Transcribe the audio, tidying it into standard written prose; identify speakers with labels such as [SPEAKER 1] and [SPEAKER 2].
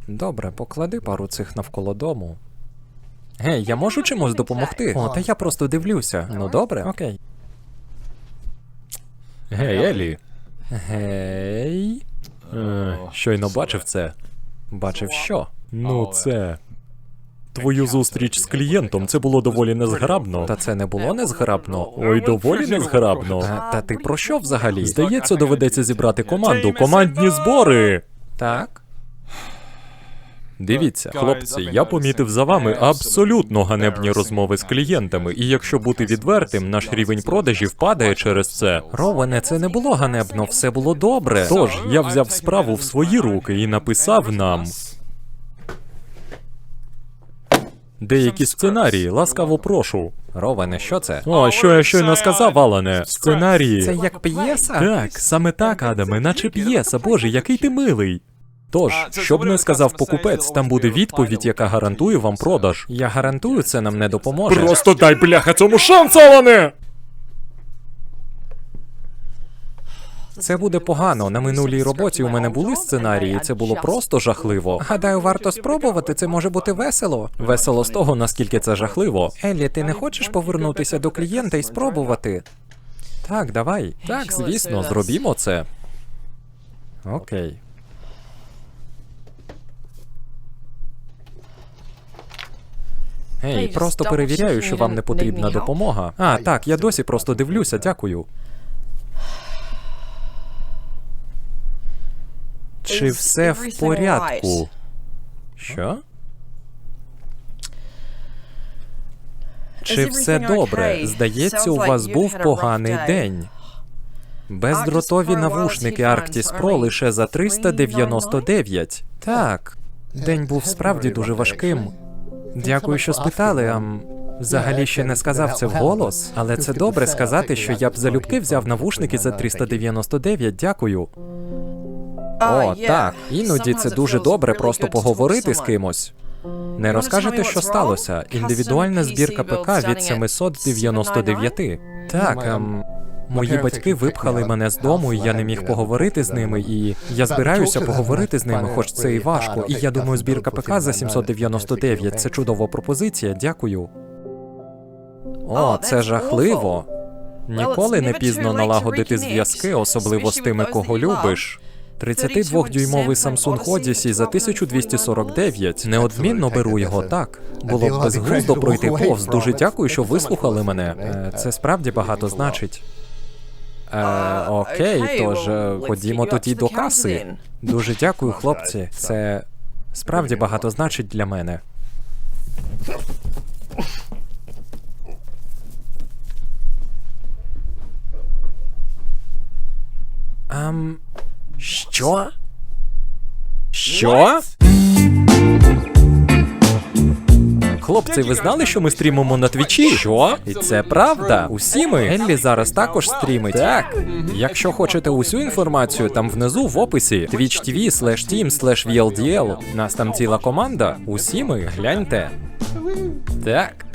[SPEAKER 1] Добре, поклади пару цих навколо дому. Гей, я можу чимось допомогти? О, та я просто дивлюся. Ну добре, окей.
[SPEAKER 2] Гей, Елі.
[SPEAKER 1] Гей.
[SPEAKER 2] Щойно бачив це.
[SPEAKER 1] Бачив що?
[SPEAKER 2] Ну, це... Твою зустріч з клієнтом, це було доволі незграбно.
[SPEAKER 1] Та це не було незграбно.
[SPEAKER 2] Ой, доволі незграбно.
[SPEAKER 1] Та ти про що взагалі?
[SPEAKER 2] Здається, доведеться зібрати команду. Командні збори!
[SPEAKER 1] Так.
[SPEAKER 2] Дивіться, хлопці, я помітив за вами абсолютно ганебні розмови з клієнтами, і якщо бути відвертим, наш рівень продажів падає через це.
[SPEAKER 1] Ровене, це не було ганебно, все було добре.
[SPEAKER 2] Тож, я взяв справу в свої руки і написав нам деякі сценарії, ласкаво прошу.
[SPEAKER 1] Ровене, що це?
[SPEAKER 2] О, що я щойно сказав, Алане? Сценарії.
[SPEAKER 1] Це як п'єса?
[SPEAKER 2] Так, саме так, Адаме, наче п'єса, боже, який ти милий. Тож, що б не сказав покупець, там буде відповідь, яка гарантує вам продаж.
[SPEAKER 1] Я гарантую, це нам не допоможе.
[SPEAKER 2] Просто дай, бляха, цьому шанс, Алане!
[SPEAKER 1] Це буде погано. На минулій роботі у мене були сценарії, це було просто жахливо. Гадаю, варто спробувати, це може бути весело.
[SPEAKER 2] Весело з того, наскільки це жахливо.
[SPEAKER 1] Еллі, ти не хочеш повернутися до клієнта і спробувати? Так, давай.
[SPEAKER 2] Так, звісно, зробімо це.
[SPEAKER 1] Окей. Гей, просто перевіряю, що вам не потрібна допомога. А, так, я досі просто дивлюся, дякую. Чи все в порядку? Що? Чи все добре? Здається, у вас був поганий день. Бездротові навушники Arctis Pro лише за 399. Так, день був справді дуже важким. Дякую, що спитали, взагалі ще не сказав це вголос, але це добре сказати, що я б залюбки взяв навушники за 399, дякую. О, так, іноді це дуже добре просто поговорити з кимось. Не розкажете, що сталося? Індивідуальна збірка ПК від 799. Так, мої батьки випхали мене з дому, і я не міг поговорити з ними, і я збираюся поговорити з ними, хоч це і важко. І я думаю, збірка ПК за 799 – це чудова пропозиція, дякую. О, це жахливо. Ніколи не пізно налагодити зв'язки, особливо з тими, кого любиш. 32-дюймовий Samsung Odyssey за 1249. Неодмінно беру його, так. Було б безглуздо пройти повз. Дуже дякую, що вислухали мене. Це справді багато значить. Окей, тож ходімо тоді до каси. Дуже дякую, хлопці. Це справді багато значить для мене. Що?
[SPEAKER 2] Що?
[SPEAKER 1] Хлопці, ви знали, що ми стрімимо на Твічі? Що? І це правда. Усі ми. Еллі зараз також стрімить. Так. Якщо хочете усю інформацію, там внизу в описі twitch.tv/team/VLDL. Нас там ціла команда. Усі ми. Гляньте. Так.